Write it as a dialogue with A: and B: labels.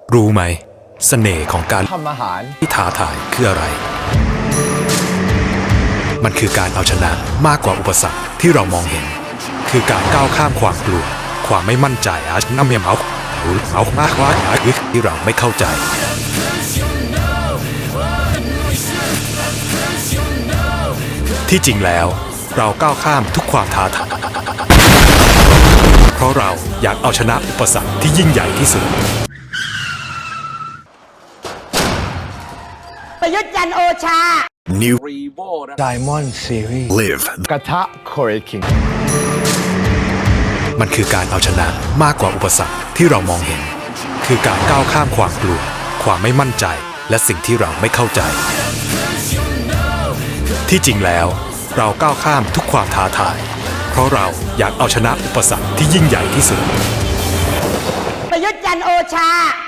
A: รู้ไหมเสน่ห์ของการ
B: ทำอาหาร
A: ที่ท้าทายคืออะไร มันคือการเอาชนะมากกว่าอุปสรรคที่เรามองเห็น คือการก้าวข้ามความกลัวความไม่มั่นใจน้ำเมียมเอามากว่าที่เราไม่เข้าใจ ที่จริงแล้วเราก้าวข้ามทุกความท้าทายเพราะเราอยากเอาชนะอุปสรรคที่ยิ่งใหญ่ที่สุด
C: ประยุทธ์จันทร์โอชา
A: New
B: Diamond Series
A: Live
B: กระทะ Korea King
A: มันคือการเอาชนะมากกว่าอุปสรรคที่เรามองเห็น คือการก้าวข้ามความกลัวความไม่มั่นใจและสิ่งที่เราไม่เข้าใจ ที่จริงแล้วเราก้าวข้ามทุกความท้าทายเพราะเราอยากเอาชนะอุปสรรคที่ยิ่งใหญ่ที่สุด
C: ประยุทธ์จันทร์โอชา